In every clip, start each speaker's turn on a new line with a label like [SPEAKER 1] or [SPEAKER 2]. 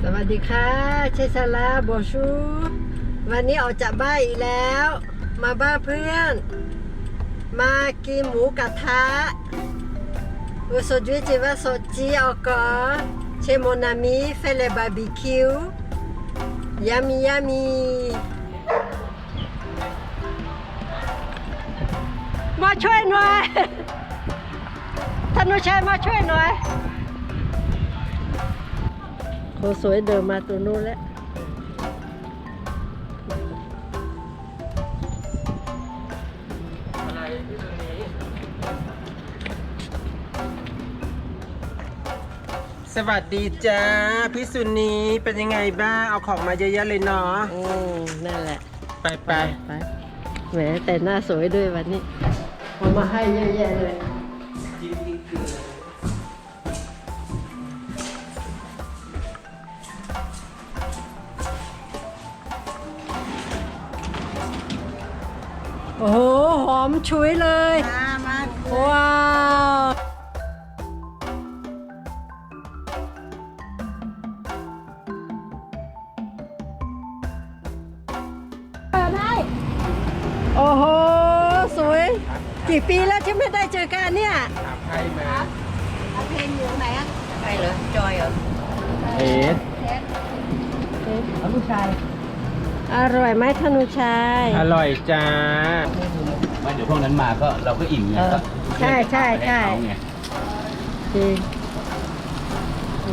[SPEAKER 1] วัสดีค่ะเชซาลาบอชูวันนี้ออกจากบ้านอีกแล้วมาบ้านเพื่อนมากินหมูกระทะ Aujourd'hui tu vas sortir encore chez mon ami faire le barbecue yummy yummy มาช่วยหน่อยท่านผู้ชายมาช่วยหน่อยเขาสวยเดินมาตัวนู้นแล้ว
[SPEAKER 2] สวัสดีจ้าพี่สุนีเป็นยังไงบ้างเอาของมาเยอะๆเลยเนาะ
[SPEAKER 1] นั่นแหละ
[SPEAKER 2] ไป
[SPEAKER 1] ไปแหมแต่หน้าสวยด้วยวันนี้เอามาให้เยอะแยะเลยโอ้โหหอมฉุยเลยว้าวโอ้โหสวยกี่ปีแล้วที่ไม่ได้เจอกันเนี่ย
[SPEAKER 2] ถามใครมา
[SPEAKER 3] เพลงอยู่ไหนอ่ะใครเหรอจอยเหรอ
[SPEAKER 2] เอ๊ะ
[SPEAKER 1] ผู้ชายอร่อยไหมธนุชัย
[SPEAKER 2] อร่อยจ้า
[SPEAKER 4] ไม่เดี๋ยวพวกนั้นมาก็เราก็อิ่มไงก็
[SPEAKER 1] ใช่จริงโอ้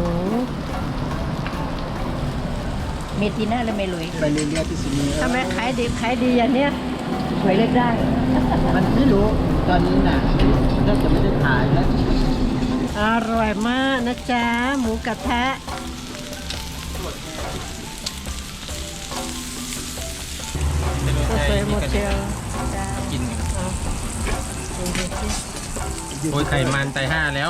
[SPEAKER 3] เมทีน่าและเมลุย
[SPEAKER 4] ไปเรื่อยๆที่สุนี
[SPEAKER 1] ทำไมขายดีอย่างเนี้ยสวยเล็กได้
[SPEAKER 4] มันไม่รู้ตอนนี้น่ะน่าจะไม่ได้ขายแล้ว
[SPEAKER 1] อร่อยมากนะจ๊ะหมูกระทะสวยหมดเชียว
[SPEAKER 2] กินโอ้ยไข่มันไตห้าแล้ว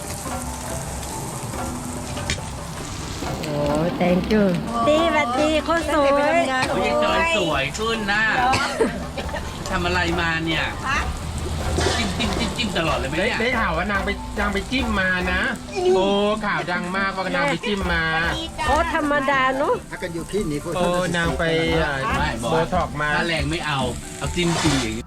[SPEAKER 1] โอ้ย thank you ดีสวัสดีคนสวย
[SPEAKER 4] เขายังจอยสวยขึ้นนะทำอะไรมาเนี่ยจิ้มตลอดเลยไหมเนี่ย
[SPEAKER 2] ได้ข่าวว่านางไปจิ้มมานะโอ้ข่าวดังมากว่านางไปจิ้มมา
[SPEAKER 1] โอ้ธรรมดาเนาะ
[SPEAKER 4] ถ้ากันอยู่ที่นี่
[SPEAKER 2] โอ้นางไปโบท็อกมา
[SPEAKER 4] ถ้าแรงไม่เอาจิ้มจริงอย่างนี้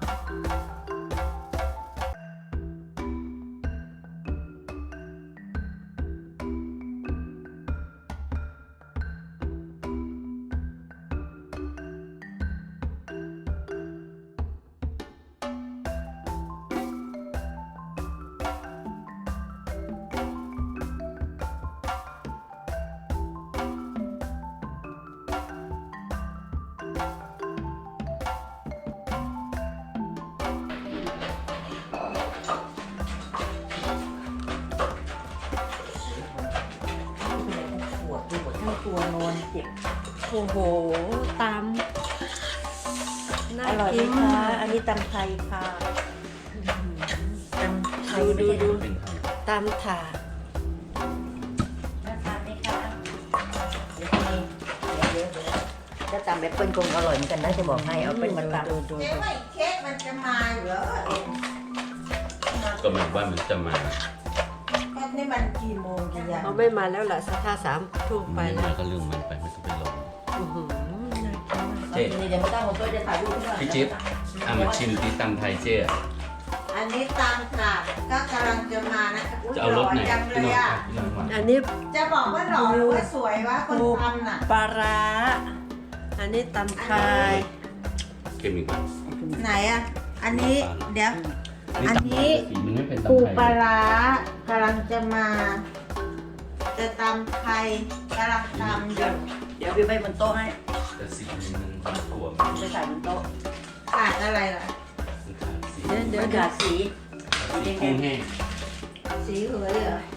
[SPEAKER 3] ตัวนอนเจ็บ
[SPEAKER 1] โอ้โหตำ
[SPEAKER 3] อร่อยไหมคะอันนี้ตำไทยค่ะตำไทยดู
[SPEAKER 1] ตำถาด
[SPEAKER 3] น่าทานไหมคะเดี๋ยวถ้าตำแบบเปิ้ลคงอร่อยเหมือนกันนะจะบอกให้เอาเป็นมาตำ
[SPEAKER 5] เค้กมันจะมาเหรอ
[SPEAKER 4] ก็มันว่ามันจะมา
[SPEAKER 5] นี่มันกี่โมงกันยัง
[SPEAKER 1] เขาไม่มาแล้วล่ะสัก3 ทุ่มไปแล้ว
[SPEAKER 4] ก็เรื่องมันไปไม่ต้องไปลง
[SPEAKER 3] เจ๊เดี๋ยวไม่ต้องผมก็จะถ่ายรูปให้
[SPEAKER 4] พี่จิ๊บมาชิมตีตำไทยเจ๊
[SPEAKER 5] อันนี้ตามค่ะก็กำลังจะมานะ
[SPEAKER 4] จะเอารถไหน
[SPEAKER 5] จังเลยอ่ะ
[SPEAKER 1] อันนี้
[SPEAKER 5] จะบอกว่าหล่อหรือว่าสวยวะคนทำน่ะ
[SPEAKER 1] ปลาร้าอันนี้ตำไทย
[SPEAKER 4] เก็บอีกไหม
[SPEAKER 5] ไหนอ่ะอันนี้เดี๋ยวอันนี้ปูปลาร้ากำลังจะมาจะตำไทยกำลังตำอยู่
[SPEAKER 3] เดี๋ยวพี่ไปบนโต๊ะให้
[SPEAKER 4] แต่สีมันถั่ว
[SPEAKER 3] ไปใส่บนโต๊ะ
[SPEAKER 5] ขาดอะไรล่ะ
[SPEAKER 3] เดี๋ยวขาดสี
[SPEAKER 4] กุ้งแห้ง
[SPEAKER 5] สีเหลืองเหรอ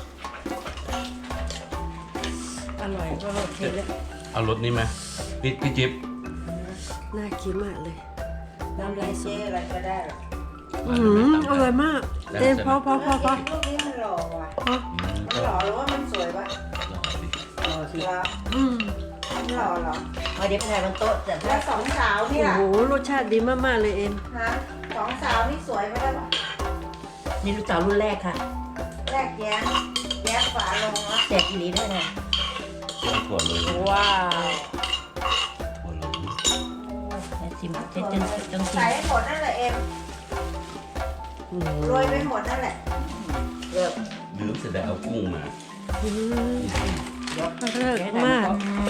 [SPEAKER 1] อร่อยก็โอเคเลย
[SPEAKER 4] เอารสนี้ไหมพี่จิ๊บ
[SPEAKER 1] น่ากินมากเลย
[SPEAKER 5] น้ำลายเจ๊อะไรก็ได้
[SPEAKER 1] อร่อยมากเต็มพอ
[SPEAKER 5] ลูกนี้มันหล่อว่ะมันหล่อหรือว่ามันสวยวะ
[SPEAKER 3] หล่อสิ
[SPEAKER 5] หล่อเหรอ
[SPEAKER 3] เดี๋ยวไปถ่ายบนโต๊ะแต่
[SPEAKER 5] แล้วสองสาวนี่ล่ะ
[SPEAKER 1] โอ้โหรสชาติดีมากๆเลยเอ็ม
[SPEAKER 5] ฮะสองสาวนี่สวยไหมล่ะ
[SPEAKER 3] นี่ลูกสาวรุ่นแรกค่ะ
[SPEAKER 5] แรกแย้ฝาลงแล้ว
[SPEAKER 3] แจกอีหลีด้วยนะ
[SPEAKER 4] ถั่วเลย
[SPEAKER 1] ว้าว
[SPEAKER 4] ถั่วเลย
[SPEAKER 3] ชิมจะต้องชิม
[SPEAKER 5] ใส่ให้หมดนั่นแหละเอ็มโรยไปหมดนั่นแหละ
[SPEAKER 4] ลืมเสร็จแล้วเอากุ้งมา
[SPEAKER 1] เลิศมาก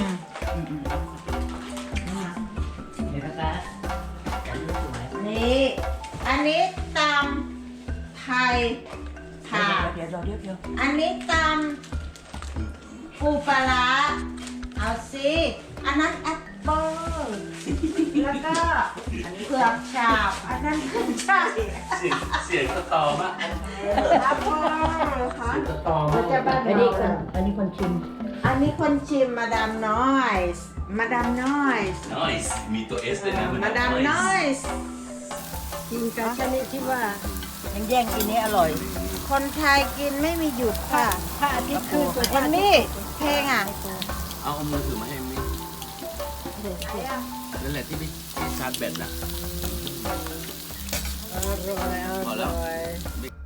[SPEAKER 5] นี่ อันนี้ตำไทยค่ะ
[SPEAKER 3] เดี๋ยว
[SPEAKER 5] อันนี้ตำปูปลาร้าเอาสิอันนั้นแอปเปิ้ลแล้วก็เผือกฉาบอันนั้นขึ้นช่าย
[SPEAKER 4] เสียงตะตอมาก
[SPEAKER 5] แอปเปิ้ลค่ะ
[SPEAKER 4] ตะตอม
[SPEAKER 1] มันจะบ้าน
[SPEAKER 3] อันนี้คนชิม
[SPEAKER 5] อันนี้คนชิมมาดามน้อยส์มาดามน้อยส์
[SPEAKER 4] nice มีตัว S เลยนะ
[SPEAKER 5] มาดามน้อยส์
[SPEAKER 1] กินกันชนิดที่ว่า
[SPEAKER 3] แย่งกินนี้อร่อย
[SPEAKER 5] คนไทยกินไม่มีหยุดค่ะ
[SPEAKER 1] พระอาทิตย์ขึ้นตัว
[SPEAKER 5] เอมมี่เพลงอ่ะ
[SPEAKER 4] เอามือถือมาให้มินั่นแหละที่ชาร์จแบตน่ะ
[SPEAKER 1] อร่อยอ
[SPEAKER 4] พอแล้
[SPEAKER 1] ร่
[SPEAKER 4] ว
[SPEAKER 1] อย